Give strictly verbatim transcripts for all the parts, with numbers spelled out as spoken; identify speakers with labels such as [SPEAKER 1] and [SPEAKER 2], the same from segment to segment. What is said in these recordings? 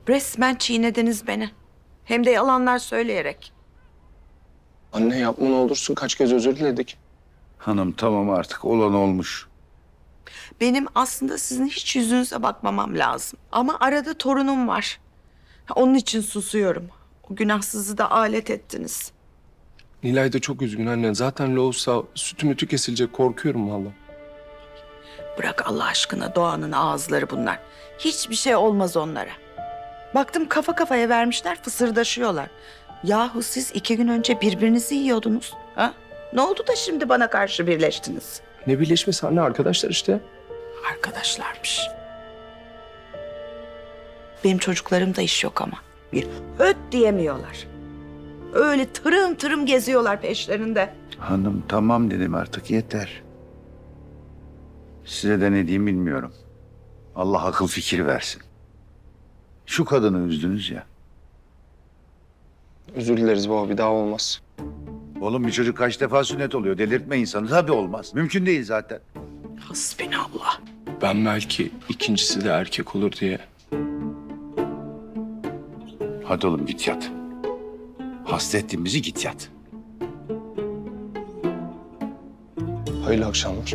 [SPEAKER 1] Resmen çiğnediniz beni. Hem de yalanlar söyleyerek.
[SPEAKER 2] Anne yapma ne olursun, kaç kez özür diledik.
[SPEAKER 3] Hanım tamam artık olan olmuş.
[SPEAKER 1] Benim aslında sizin hiç yüzünüze bakmamam lazım. Ama arada torunum var. Onun için susuyorum. O günahsızı da alet ettiniz.
[SPEAKER 2] Nilay da çok üzgün anne. Zaten loğusa sütü mütü kesilecek, korkuyorum vallahi.
[SPEAKER 1] Bırak Allah aşkına Doğan'ın ağızları bunlar. Hiçbir şey olmaz onlara. Baktım kafa kafaya vermişler, fısırdaşıyorlar. Yahu siz iki gün önce birbirinizi yiyordunuz. Ha? Ne oldu da şimdi bana karşı birleştiniz?
[SPEAKER 2] Ne birleşmesi anne, arkadaşlar işte.
[SPEAKER 1] Arkadaşlarmış. Benim çocuklarımda iş yok ama. Bir öt diyemiyorlar. Öyle tırım tırım geziyorlar peşlerinde.
[SPEAKER 3] Hanım tamam dedim artık yeter. Size de ne diyeyim bilmiyorum. Allah akıl fikir versin. Şu kadını üzdünüz ya.
[SPEAKER 2] Özür dileriz baba, bir daha olmaz.
[SPEAKER 3] Oğlum bir çocuk kaç defa sünnet oluyor. Delirtme insanı. Tabii olmaz. Mümkün değil zaten.
[SPEAKER 1] Hasbinallah.
[SPEAKER 2] Ben belki ikincisi de erkek olur diye.
[SPEAKER 3] Hadi oğlum git yat. Hasta ettin bizi, git yat.
[SPEAKER 2] Hayırlı akşamlar.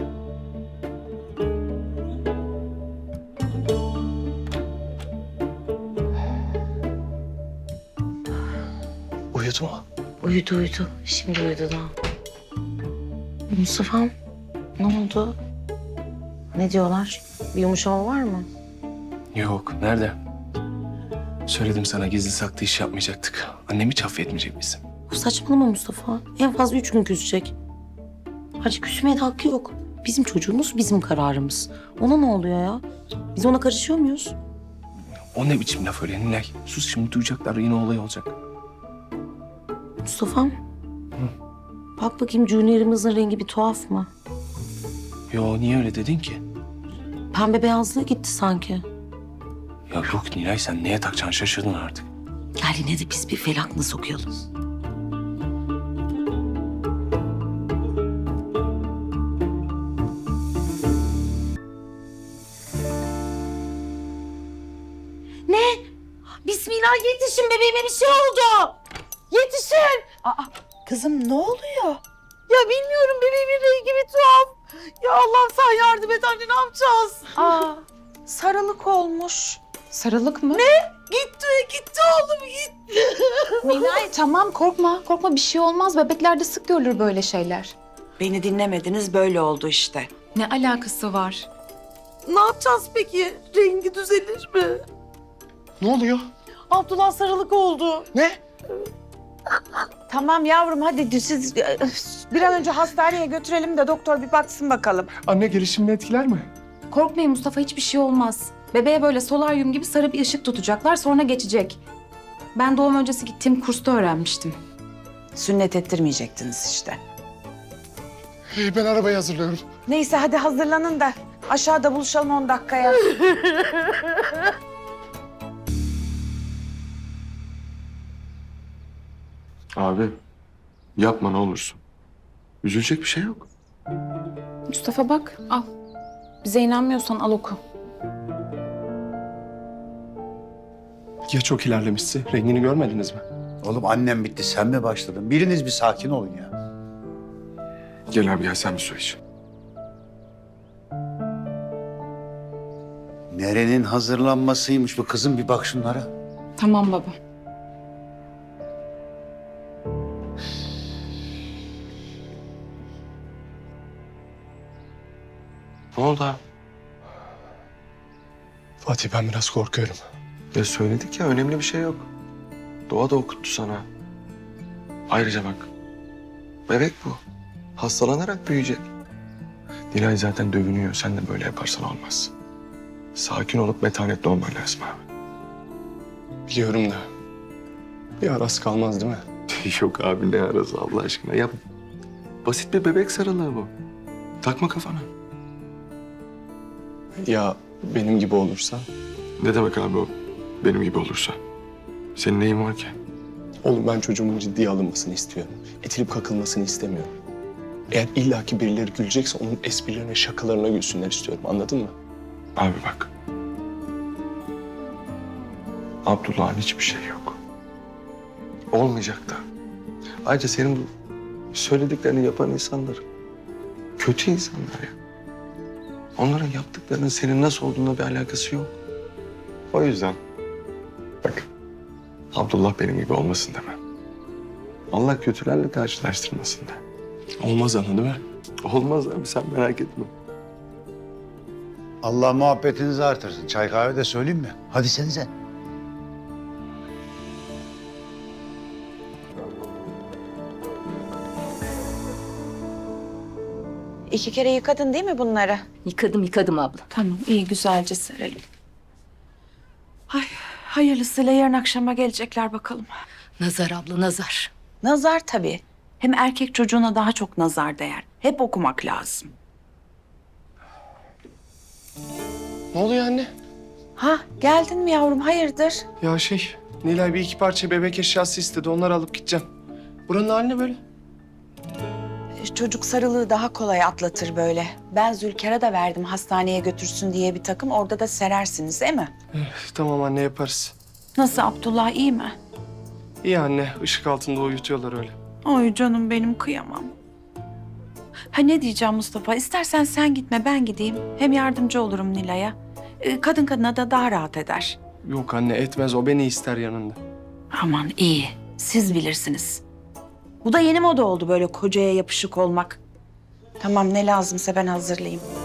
[SPEAKER 2] Uyudu mu?
[SPEAKER 4] Uyudu uyudu. Şimdi uyudu da. Mustafa'm ne oldu? Ne diyorlar? Bir yumuşama var mı?
[SPEAKER 2] Yok, nerede? Söyledim sana, gizli saklı iş yapmayacaktık. Annem hiç affetmeyecek bizi.
[SPEAKER 4] Saçmalama Mustafa. En fazla üç gün küsecek. Hacı küsmeye de hakkı yok. Bizim çocuğumuz bizim kararımız. Ona ne oluyor ya? Biz ona karışıyor muyuz?
[SPEAKER 2] O ne biçim laf öyle Nilay? Sus, şimdi duyacaklar, yine olay olacak.
[SPEAKER 4] Mustafa'm. Bak bakayım Junior'ımızın rengi bir tuhaf mı?
[SPEAKER 2] Yo, niye öyle dedin ki?
[SPEAKER 4] Pembe beyazlığı gitti sanki.
[SPEAKER 2] Ya yok Nilay, sen neye takacaksın, şaşırdın artık.
[SPEAKER 4] Gel yine de biz bir felakna sokuyalım. Ne? Bismillah yetişin, bebeğime bir şey oldu. Yetişin.
[SPEAKER 1] Aa, kızım ne oluyor?
[SPEAKER 4] Ya bilmiyorum, bebeğimin rengi bir tuhaf. Ya Allah'ım sen yardım et anne, ne yapacağız?
[SPEAKER 1] Aa, sarılık olmuş.
[SPEAKER 5] Sarılık mı?
[SPEAKER 4] Gitti, gitti oğlum gitti.
[SPEAKER 5] Nilay tamam korkma. Korkma bir şey olmaz. Bebeklerde sık görülür böyle şeyler.
[SPEAKER 1] Beni dinlemediniz, böyle oldu işte.
[SPEAKER 5] Ne alakası var?
[SPEAKER 4] Ne yapacağız peki? Rengi düzelir mi?
[SPEAKER 2] Ne oluyor?
[SPEAKER 4] Abdullah sarılık oldu.
[SPEAKER 2] Ne?
[SPEAKER 6] Tamam yavrum, hadi siz e, bir an önce hastaneye götürelim de doktor bir baksın bakalım.
[SPEAKER 2] Anne gelişimini etkiler mi?
[SPEAKER 5] Korkmayın Mustafa, hiçbir şey olmaz. Bebeğe böyle solaryum gibi sarı bir ışık tutacaklar, sonra geçecek. Ben doğum öncesi gittiğim kursta öğrenmiştim.
[SPEAKER 6] Sünnet ettirmeyecektiniz işte.
[SPEAKER 2] Hey, ben arabayı hazırlıyorum.
[SPEAKER 6] Neyse hadi hazırlanın da aşağıda buluşalım on dakikaya.
[SPEAKER 7] Abi yapma ne olursun. Üzülecek bir şey yok.
[SPEAKER 5] Mustafa bak, al. Bize inanmıyorsan al oku.
[SPEAKER 2] Ya çok ilerlemişse? Rengini görmediniz mi?
[SPEAKER 3] Oğlum annem bitti, sen mi başladın? Biriniz bir sakin olun ya.
[SPEAKER 7] Gel abi gel sen bir su iç.
[SPEAKER 3] Nerenin hazırlanmasıymış bu kızım, bir bak şunlara.
[SPEAKER 5] Tamam baba.
[SPEAKER 7] Ne oldu abi?
[SPEAKER 2] Fatih, ben biraz korkuyorum.
[SPEAKER 7] Ya söyledik ya, önemli bir şey yok. Doğa da okuttu sana. Ayrıca bak. Bebek bu. Hastalanarak büyüyecek. Nilay zaten dövünüyor. Sen de böyle yaparsan olmaz. Sakin olup metanetli olman lazım abi.
[SPEAKER 2] Biliyorum da bir arası kalmaz değil mi?
[SPEAKER 7] Yok abi, ne arası Allah aşkına. Ya basit bir bebek sarılığı bu. Takma kafana.
[SPEAKER 2] Ya benim gibi olursa?
[SPEAKER 7] Ne demek abi o? Benim gibi olursa. Senin neyin var ki?
[SPEAKER 2] Oğlum, ben çocuğumun ciddiye alınmasını istiyorum. Etilip kakılmasını istemiyorum. Eğer illaki birileri gülecekse onun esprilerine, şakalarına gülsünler istiyorum. Anladın mı?
[SPEAKER 7] Abi bak. Abdullah'ın hiçbir şeyi yok. Olmayacak da. Ayrıca senin bu söylediklerini yapan insanlar kötü insanlar ya. Onların yaptıklarının senin nasıl olduğuna bir alakası yok. O yüzden bak, Abdullah benim gibi olmasın deme. Allah kötülerle karşılaştırmasın de.
[SPEAKER 2] Olmaz ana değil mi?
[SPEAKER 7] Olmaz abi, sen merak etme.
[SPEAKER 3] Allah muhabbetinizi artırsın. Çay kahve de söyleyeyim mi? Hadi sen sen.
[SPEAKER 6] İki kere yıkadın değil mi bunları?
[SPEAKER 8] Yıkadım yıkadım abla.
[SPEAKER 6] Tamam, iyi güzelce serelim. Ay, hayırlısıyla yarın akşama gelecekler bakalım.
[SPEAKER 8] Nazar abla nazar.
[SPEAKER 1] Nazar tabii. Hem erkek çocuğuna daha çok nazar değer. Hep okumak lazım.
[SPEAKER 2] Ne oluyor anne?
[SPEAKER 6] Ha, geldin mi yavrum? Hayırdır?
[SPEAKER 2] Ya şey, Nilay bir iki parça bebek eşyası istedi. Onları alıp gideceğim. Buranın hali ne böyle?
[SPEAKER 6] Çocuk sarılığı daha kolay atlatır böyle. Ben Zülker'e de verdim hastaneye götürsün diye bir takım. Orada da serersiniz değil mi?
[SPEAKER 2] Tamam anne, yaparız.
[SPEAKER 6] Nasıl, Abdullah iyi mi?
[SPEAKER 2] İyi anne, ışık altında uyutuyorlar öyle.
[SPEAKER 6] Ay canım benim, kıyamam. Ha ne diyeceğim Mustafa, istersen sen gitme ben gideyim. Hem yardımcı olurum Nilay'a. Ee, Kadın kadına da daha rahat eder.
[SPEAKER 2] Yok anne, etmez. O beni ister yanında.
[SPEAKER 6] Aman iyi, siz bilirsiniz. Bu da yeni moda oldu böyle kocaya yapışık olmak. Tamam, ne lazımsa ben hazırlayayım.